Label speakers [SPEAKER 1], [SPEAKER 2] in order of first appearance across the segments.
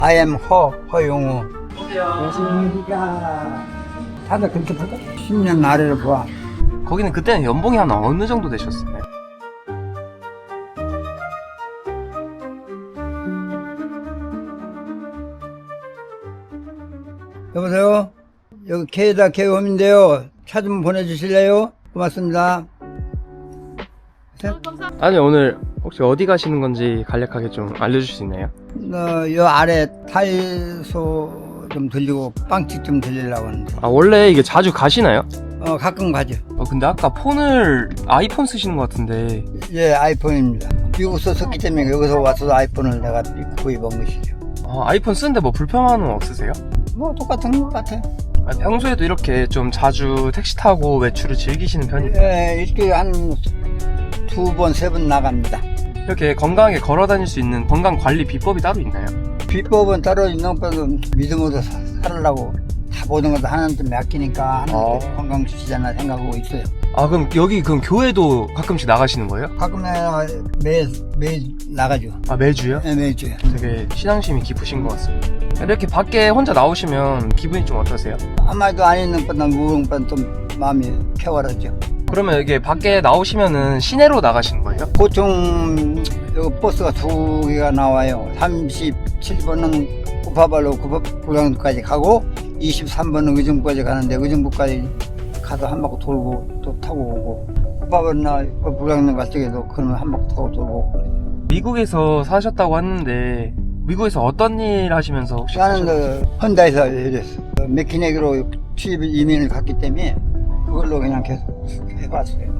[SPEAKER 1] I am 허용우. 안녕하십니까. 다들 그렇게 보다 10년 아래로 봐.
[SPEAKER 2] 거기는 그때는 연봉이 한 어느 정도 되셨어요?
[SPEAKER 1] 여보세요? 여기 K다 K홈인데요. 차 좀 보내주실래요? 고맙습니다.
[SPEAKER 2] 아니, 오늘 혹시 어디 가시는 건지 간략하게 좀 알려주실 수 있나요?
[SPEAKER 1] 요 아래 타일소 좀 들리고 빵집 좀 들리려고 하는데.
[SPEAKER 2] 아, 원래 이게 자주 가시나요?
[SPEAKER 1] 가끔 가죠.
[SPEAKER 2] 근데 아까 폰을 아이폰 쓰시는 것 같은데.
[SPEAKER 1] 예, 아이폰입니다. 미국서 썼기 때문에 여기서 와서 아이폰을 내가 구입한 것이죠.
[SPEAKER 2] 아이폰 쓰는데 뭐 불편한 건 없으세요?
[SPEAKER 1] 뭐 똑같은 것 같아요.
[SPEAKER 2] 평소에도 이렇게 좀 자주 택시 타고 외출을 즐기시는 편이에요?
[SPEAKER 1] 예, 일주일에 한 2번, 3번 나갑니다.
[SPEAKER 2] 이렇게 건강하게 걸어 다닐 수 있는 건강 관리 비법이 따로 있나요?
[SPEAKER 1] 비법은 따로 있는 것보다 믿음으로 살으려고 다 모든 것도 하나님한테 맡기니까 하나님한테 건강 주시잖아 생각하고 있어요.
[SPEAKER 2] 그럼 여기 교회도 가끔씩 나가시는 거예요?
[SPEAKER 1] 가끔 매일 나가죠.
[SPEAKER 2] 매주요?
[SPEAKER 1] 네, 매주요.
[SPEAKER 2] 되게 신앙심이 깊으신 것 같습니다. 이렇게 밖에 혼자 나오시면 기분이 좀 어떠세요?
[SPEAKER 1] 아마도 안 있는 것보다 무거운 것보다 좀 마음이 쾌활하죠.
[SPEAKER 2] 그러면 이게 밖에 나오시면은 시내로 나가시는 거예요?
[SPEAKER 1] 보통 여기 버스가 2개가 나와요. 37번은 구파발로 불광까지 가고 23번은 의정부까지 가는데 의정부까지 가서 한 바퀴 돌고 또 타고 오고 구파발이나 불광릉 갈 적에도 그러면 한 바퀴 타고 돌고 오고.
[SPEAKER 2] 미국에서 사셨다고 했는데 미국에서 어떤 일 하시면서 혹시
[SPEAKER 1] 나는 헌다에서 일했어. 맥키네기로 취업 이민을 갔기 때문에 그걸로 그냥 계속 해봤어요.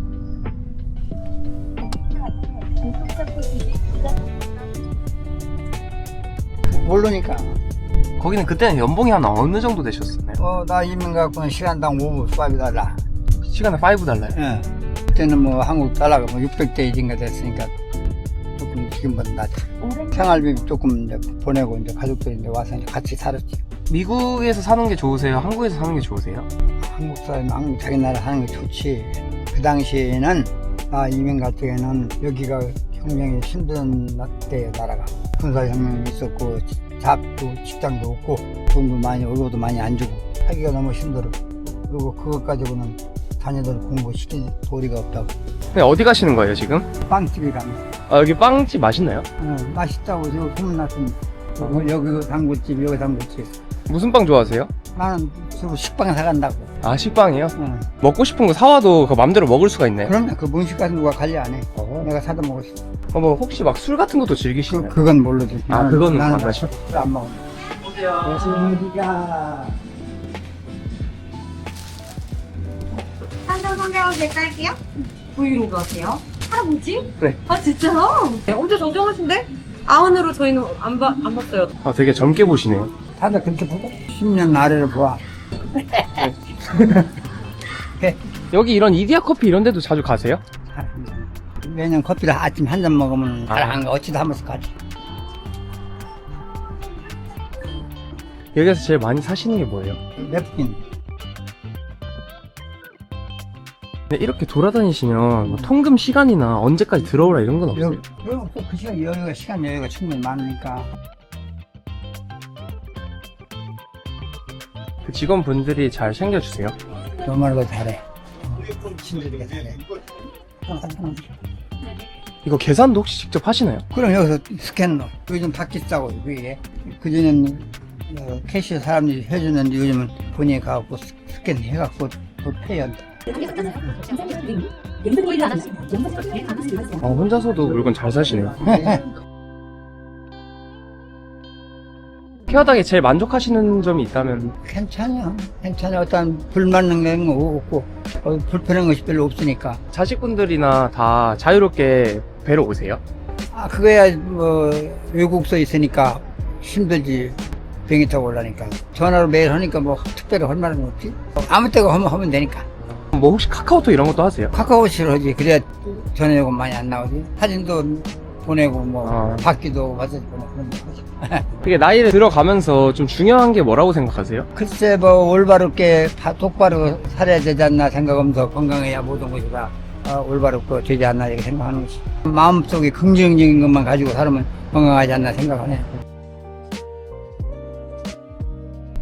[SPEAKER 1] 모르니까.
[SPEAKER 2] 거기는 그때는 연봉이 한 어느 정도 되셨었나요?
[SPEAKER 1] 나 이민 갖고는 시간당 5불 5달러.
[SPEAKER 2] 시간에 $5.
[SPEAKER 1] 예. 그때는 뭐 한국 달러가 뭐 600대 1인가 됐으니까 조금 지금보다 낫지. 생활비 조금 이제 보내고 이제 가족들이 이제 와서 이제 같이 살았지.
[SPEAKER 2] 미국에서 사는 게 좋으세요? 한국에서 사는 게 좋으세요?
[SPEAKER 1] 한국 사람, 한국 자기 나라 사는 게 좋지. 그 당시에는 이민 갈 때에는 여기가 혁명이 힘든 때 나라가 군사혁명이 있었고 잡도 직장도 없고 돈도 많이 월급도 많이 안 주고 하기가 너무 힘들어. 그리고 그것 가지고는 자녀들 공부시킬 도리가 없다고.
[SPEAKER 2] 네, 어디 가시는 거예요 지금?
[SPEAKER 1] 빵집에 갑니다.
[SPEAKER 2] 여기 빵집 맛있나요?
[SPEAKER 1] 맛있다고 저 소문났습니다. 여기 단골집 여기 단골집.
[SPEAKER 2] 무슨 빵 좋아하세요?
[SPEAKER 1] 나는 주로 식빵 사간다고.
[SPEAKER 2] 식빵이요? 먹고 싶은 거 사와도 그 맘대로 먹을 수가 있나요?
[SPEAKER 1] 그러면 그 문식 같은 누가 관리 안 해. 내가 사다 먹을 수 있어.
[SPEAKER 2] 뭐 혹시 막 술 같은 것도 즐기시나요?
[SPEAKER 1] 그건 모르지.
[SPEAKER 2] 그거는 안
[SPEAKER 1] 나는
[SPEAKER 2] 마셔?
[SPEAKER 1] 안 먹어. 안녕하십니까.
[SPEAKER 3] 한잔 선택하게 딸게요. 브이로그 하세요? 할아버지?
[SPEAKER 2] 네.
[SPEAKER 3] 진짜요? 네, 엄청 정정하신데? 아흔으로 저희는 안 봤어요.
[SPEAKER 2] 되게 젊게 보시네요.
[SPEAKER 1] 다들 그렇게 보고 10년 아래로 봐.
[SPEAKER 2] 여기 이런 이디야 커피 이런 데도 자주 가세요?
[SPEAKER 1] 매년 커피를 아침 한 잔 먹으면 잘 안 가. 어찌도 한 번씩 가지.
[SPEAKER 2] 여기서 제일 많이 사시는 게 뭐예요?
[SPEAKER 1] 냅킨.
[SPEAKER 2] 근데 이렇게 돌아다니시면 뭐 통금 시간이나 언제까지 들어오라 이런 건 없어요?
[SPEAKER 1] 그 시간 여유가 충분히 많으니까.
[SPEAKER 2] 그 직원분들이 잘 챙겨주세요?
[SPEAKER 1] 너무나도 잘해. 친구들이 잘해.
[SPEAKER 2] 이거 계산도 혹시 직접 하시나요?
[SPEAKER 1] 그럼 여기서 스캔너. 요즘 다 비싸고, 그게. 그전에는 캐시 사람들이 해주는데 요즘은 본인이 가갖고 스캔 해갖고 또 페이한다.
[SPEAKER 2] 혼자서도 물건 잘 사시네요. 케어닥에 제일 만족하시는 점이 있다면?
[SPEAKER 1] 괜찮아. 어떤 불맞는 게 없고, 불편한 것이 별로 없으니까.
[SPEAKER 2] 자식분들이나 다 자유롭게 뵈러 오세요?
[SPEAKER 1] 그거야, 외국서 있으니까 힘들지. 비행기 타고 올라니까. 전화로 매일 하니까 뭐 특별히 할 말은 없지. 아무 때가 하면 되니까.
[SPEAKER 2] 뭐 혹시 카카오톡 이런 것도 하세요?
[SPEAKER 1] 카카오톡을 하지. 그래야 전화 요금 많이 안 나오지. 사진도 보내고 받기도 받아서 보내고 그런 거 하지.
[SPEAKER 2] 되게 나이를 들어가면서 좀 중요한 게 뭐라고 생각하세요?
[SPEAKER 1] 글쎄 올바르게 똑바로 살아야 되지 않나 생각하면서 건강해야 모든 것이 다 올바르고 되지 않나 이렇게 생각하는 것이. 마음속에 긍정적인 것만 가지고 살면 건강하지 않나 생각하네.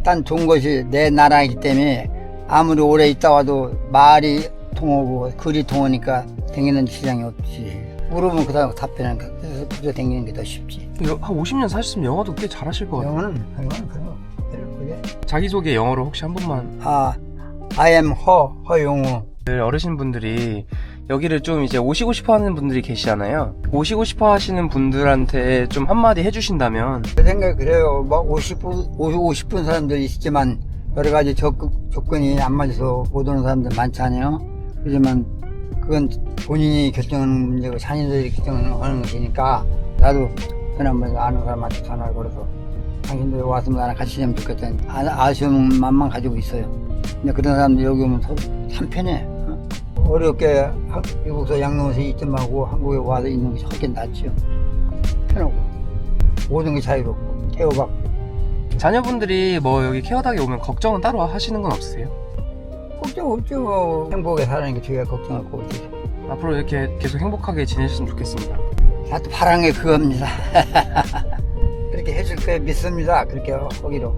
[SPEAKER 1] 일단 좋은 것이 내 나라이기 때문에 아무리 오래 있다 와도 말이 통하고 글이 통하니까 댕기는 시장이 없지. 물어보면 그다음 답변은 그저 댕기는 게 더 쉽지.
[SPEAKER 2] 한 50년 사셨으면 영어도 꽤 잘하실 것 같아요.
[SPEAKER 1] 영어는 그거 그게
[SPEAKER 2] 자기소개 영어로 혹시 한 번만.
[SPEAKER 1] I am 허용우.
[SPEAKER 2] 어르신분들이 여기를 좀 이제 오시고 싶어 하는 분들이 계시잖아요. 오시고 싶어 하시는 분들한테 좀 한마디 해주신다면.
[SPEAKER 1] 제 생각에 그래요. 뭐 오고 싶은 사람들이 있지만 여러 가지 조건이 안 맞아서 못 오는 사람들 많잖아요. 그렇지만 그건 본인이 결정하는 문제고 자녀들이 결정하는 것이니까 나도 그나마 아는 사람한테 전화를 걸어서 당신들 와서 나랑 같이 지내면 좋겠다 아쉬운 마음만 가지고 있어요. 근데 그런 사람들 여기 오면 참 편해. 어렵게 미국에서 양로원에서 있지 말고 한국에 와서 있는 것이 훨씬 낫죠. 편하고 모든 게 자유롭고 태워받고.
[SPEAKER 2] 자녀분들이 뭐 여기 케어닥에 오면 걱정은 따로 하시는 건 없으세요?
[SPEAKER 1] 걱정 없죠. 행복하게 사는 게 제가 걱정할 거 없지.
[SPEAKER 2] 앞으로 이렇게 계속 행복하게 지내셨으면 좋겠습니다.
[SPEAKER 1] 나도 바란 게 그겁니다. 그렇게 해줄 거 믿습니다. 그렇게 하기로.